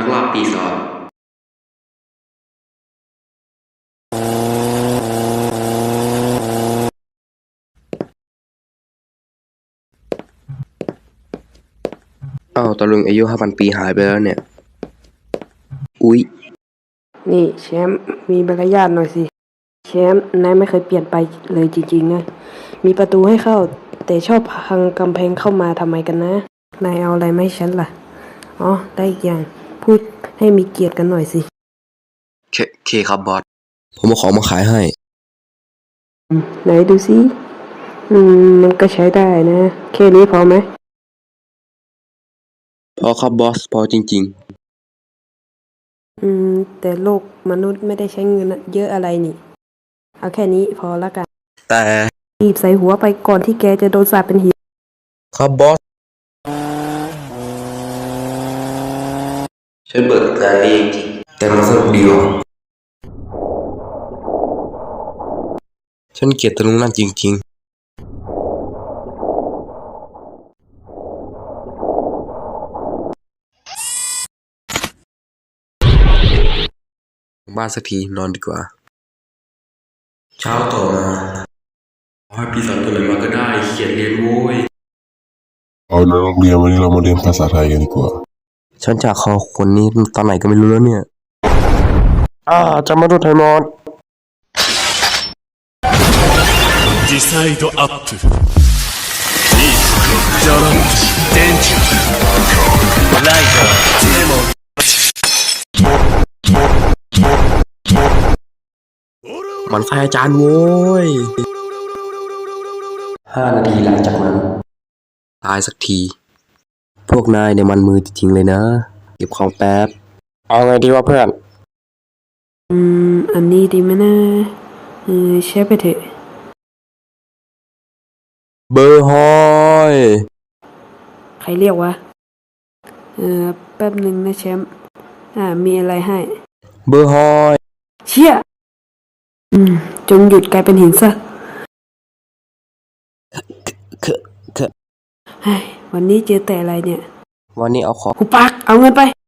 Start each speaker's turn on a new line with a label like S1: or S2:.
S1: ลักลอบตีซอสตะลุงอายุ5,000 ปีหายไปแล้วเนี่ยอุ๊ย
S2: นี่แชมป์มีมารยาทหน่อยสิแชมป์นายไม่เคยเปลี่ยนไปเลยจริงๆนะมีประตูให้เข้าแต่ชอบพังกำแพงเข้ามาทำไมกันนะนายเอาอะไรมาให้ฉันล่ะอ๋อได้อีกอย่างพูดให้มีเกียรติกันหน่อยสิ
S1: เคครับบอสผมเอาของมาขายให้
S2: ไหนดูสิมันก็ใช้ได้นะแค่นี้พอไหม
S1: พอครับบอสพอจริง
S2: แต่โลกมนุษย์ไม่ได้ใช้เงินเยอะอะไรนี่เอาแค่นี้พอละกัน
S1: ๆแต่
S2: รีบใส่หัวไปก่อนที่แกจะโดนสาปเป็นหิน
S1: ครับบอสฉันเบิกงานนี้จริงแต่มันสนุกดีว่ะฉันเกลียดตะลุงนั่นจริงๆบ้านสักทีนอนดีกว่าเช้าต่อมาขอให้ปีศาจตัวไหนมาก็ได้เขียนเรียนโว้ย
S3: เอาแล้วนักเรียนวันนี้เรามาเรียนภาษาไทยกันดีกว่า
S1: ฉันจากคอคนนี้ตอนไหนก็ไม่รู้แล้วเนี่ยจะมาดูไทยมอด
S4: ディサイドアップリースジャランデンジャーライダーデモン
S1: มันไฟอาจารย์โว้ย5 นาทีหลังจากนั้นตายสักทีพวกนายเนี่ยมันมือจริงๆเลยนะเก็บของแป๊บเอาไงดีวะเพื่อน
S2: อันนี้ดีไหมนะใช้ไปเถอะ
S1: เบอร์ฮอย
S2: ใครเรียกวะแป๊บหนึ่งนะแชมป์มีอะไรให้
S1: เบอร์ฮอย
S2: เชี่ยจงหยุดกลายเป็นหินซะ
S1: คือ
S2: วันนี้เจอแต่อะไรเนี่ย
S1: วันนี้เอาของ
S2: หุบปากเอาเงินไป